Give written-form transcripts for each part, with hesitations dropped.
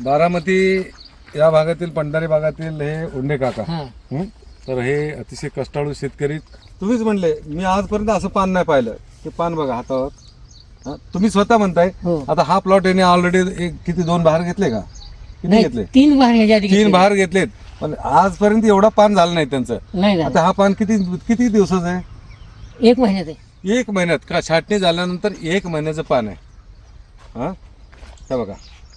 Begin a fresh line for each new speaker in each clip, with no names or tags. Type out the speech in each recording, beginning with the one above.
बारामती या भागातील पंढारी भागातील हे उंडे काका. हं? तर हे अतिशय कष्टाळू शेतकरी. तुम्हीच म्हणले मी आजपर्यंत असं पान नाही पाहिलं. ते पान बघा हातावर. तुम्ही स्वतः म्हणताय. आता हा प्लॉट याने ऑलरेडी किती 2 बहार घेतले का? किती घेतले?
3 बहार ह्याच्या आधी
3 बहार घेतलेत. पण आजपर्यंत एवढा पान झालं नाही त्यांचं.
नाही
आता हा पान किती दिवसाचं आहे?
1 महिन्यात आहे.
1 महिन्यात का? छाटणी झाल्यानंतर 1 महिन्याचं पान आहे. हा हे बघा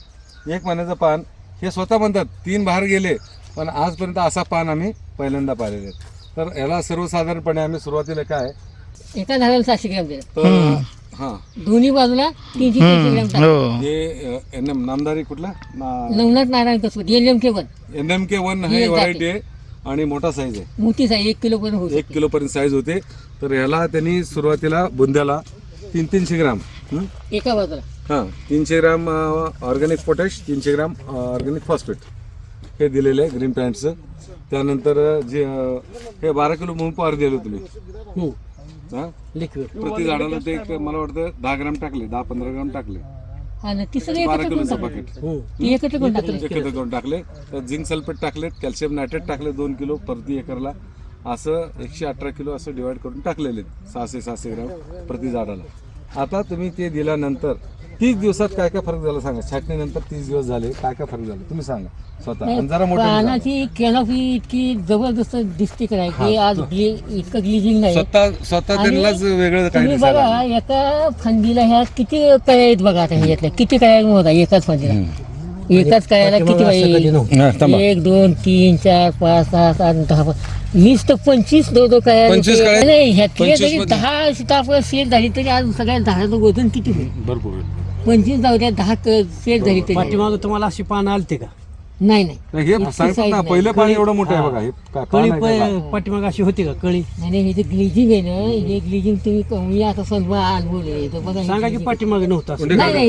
1 महिन्याचं पान. हे स्वतः म्हणतात 3 बहार गेले पण आजपर्यंत असा पान आम्ही पहिल्यांदा पाहिलेले. तर याला सर्वसाधारणपणे आम्ही सुरुवातीला काय
एका झाडाला 700 ग्रॅम दिलं.
तर हा
दोन्ही बाजूला 300 ग्रॅम टाकलं.
हे NM नामदारी कुठला
नवनाथ नारायण कसबत LMK1
NMK1 हे व्हरायटी आहे आणि मोठा साईज आहे.
मोठी साईज 1 किलो पर्यंत होती.
1 किलो पर्यंत साईज होते. तर ह्याला त्यांनी सुरुवातीला बुंद्याला 300 ग्राम
एका बाजूला
300 gram organic potash, 300 gram organic phosphate हे दिलेलं आहे ग्रीन पॅन्टचं. त्यानंतर जे हे 12 किलो मूग पॉवर दिलं तुम्ही.
लिक्विड
प्रति झाडाला ते मला वाटतं 10 ग्राम टाकले, 10-15 ग्राम टाकले.
हा ना तिसरं
12 किलोचं पॅकेट
एकत्र करून टाकलं.
एकत्र करून टाकले. तर झिंक सल्फेट टाकलेत, कॅल्शियम नायट्रेट टाकले 2 किलो प्रति एकरला. असं 118 किलो असं डिवाइड करून टाकलेले 600 ग्राम प्रति झाडाला. आता तुम्ही ते दिल्यानंतर 30 दिवसात काय काय फरक झाला सांगा. छाटणीनंतर 30 दिवस झाले काय काय फरक झाला तुम्ही सांगा स्वतः. आणि जरा मोठं
पानाची कॅनॉपी इतकी जबरदस्त दिसते काय की आज इतकं ग्लिजिंग नाही.
स्वतः त्यांनाच वेगळं काय
तुम्ही बघा एका फांदीला ह्या किती कळ्या आहेत बघा. आता ह्याच्यातल्या किती कळ्या होता एकाच फांदीला. एकाच कळ्याला किती पाहिजे? 1 2 3 4 5 6 7 10 20 तर 25 दो कळ्या नाही. ह्यातले जरी 10 सीताफळ सेट झाली तरी आज सगळ्या झाडाचं वजन किती होईल?
भरपूर
25 जाऊ द्या 10 सेट झाली तरी.
पाठीमागं तुम्हाला अशी पानं आलते का?
नाही
हे सांगतात ना पहिलं पाणी एवढं मोठं आहे बघा. हे
कळी पाठीमाग अशी होती का कळी?
नाही हे जे ग्लिजिंग आहे ना हे ग्लिजिंग तुम्ही कमी आता समजा अनुभवले तर बघा.
सांगा की पाठीमाग नव्हतं असं.
नाही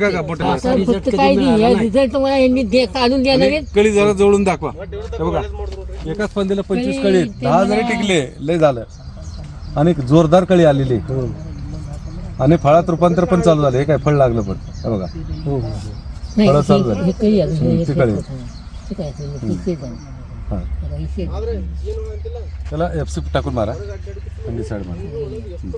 फक्त काही नाही. रिझल्ट तुम्हाला यांनी काढून देणार आहेत.
कळी जरा जवळून दाखवा. हे बघा एकाच फांदीला 25 कळी 10 जरी टिकले लय झालं. आणि जोरदार कळी आलेली आणि फळात रूपांतर पण चालू झालं. हे काय फळ लागलं पण हे बघा फळं चालू झाली. त्याला FC टाकून मारा थंडी साईड मारा.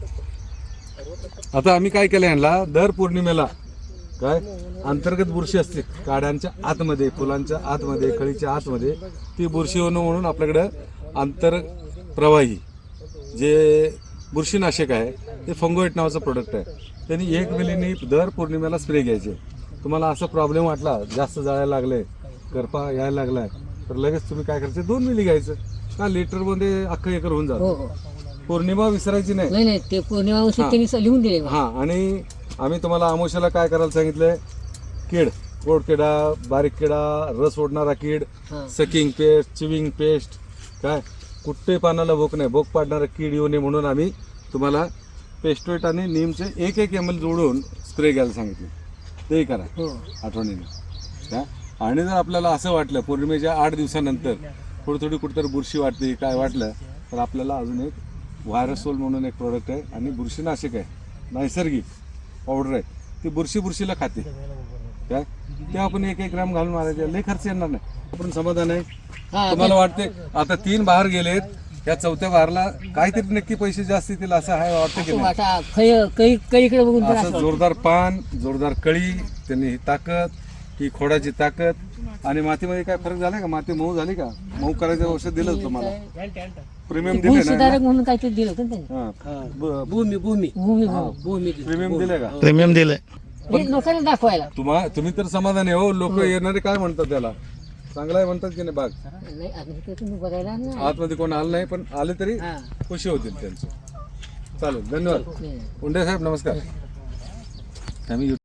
आता आम्ही काय केलं यांना दर पौर्णिमेला काय अंतर्गत बुरशी असते काड्यांच्या आतमध्ये, फुलांच्या आतमध्ये, कळीच्या आतमध्ये. ती बुरशी होणं म्हणून आपल्याकडं आंतरप्रवाही जे बुरशीनाशक आहे ते फंगोएट नावाचं प्रोडक्ट आहे. त्यांनी 1 मिलीनी दर पौर्णिमेला स्प्रे घ्यायचे. तुम्हाला असा प्रॉब्लेम वाटला जास्त जाळायला लागले करपा यायला लागलाय तर लगेच तुम्ही काय करायचं 2 मिली घ्यायचं का लिटरमध्ये अख्खं एकर होऊन जातं. पौर्णिमा विसरायची नाही.
ते पौर्णिमा लिहून दिले.
हा आणि आम्ही तुम्हाला आमोशाला काय करायला सांगितलंय कीड गोड किडा, बारीक किडा, रस ओढणारा कीड, सकिंग पेस्ट, चिविंग पेस्ट, काय कुठे पानाला भोक नाही भोक पाडणारा कीड येऊ नये म्हणून आम्ही तुम्हाला पेस्टोएट आणि नीमचे 1 ml जोडून स्प्रे घ्यायला सांगितले. ते करा आठवणीने. आणि जर आपल्याला असं वाटलं पौर्णिमेच्या 8 दिवसानंतर थोडी कुठेतरी बुरशी वाटते काय वाटलं तर आपल्याला अजून एक व्हायरसोल म्हणून एक प्रोडक्ट आहे आणि बुरशीनाशक आहे नैसर्गिक पावडर आहे. ती बुरशीला खाते काय ते आपण 1 ग्राम घालून मारायचे. लय खर्च येणार नाही. आपण समाधान आहे. तुम्हाला वाटते आता 3 बहार गेलेत या 4थ्या बहारला काहीतरी नक्की पैसे जास्त येतील असं आहे वाटतं की
कळीकडे बघून
असं जोरदार पान, जोरदार कळी, त्यांनी ही ताकद, ही खोडाची ताकद. आणि मातीमध्ये काय फरक झाला का? माती मऊ झाली का? मऊ करायचं औषध दिलं तुम्हाला प्रीमियम दिले ना
म्हणून काहीतरी दिलं होतं त्यांनी.
भूमी
प्रीमियम दिले का?
प्रीमियम दिलंय
लोकांना दाखवायला.
तुम्ही तर समाधानी हो. लोक येणारे काय म्हणतात त्याला चांगला आहे म्हणतात की नाही बाग.
बघायला
आतमध्ये कोण आलं नाही पण आले तरी खुशी होतील त्यांचं. चालेल धन्यवाद. उंडे साहेब नमस्कार. आम्ही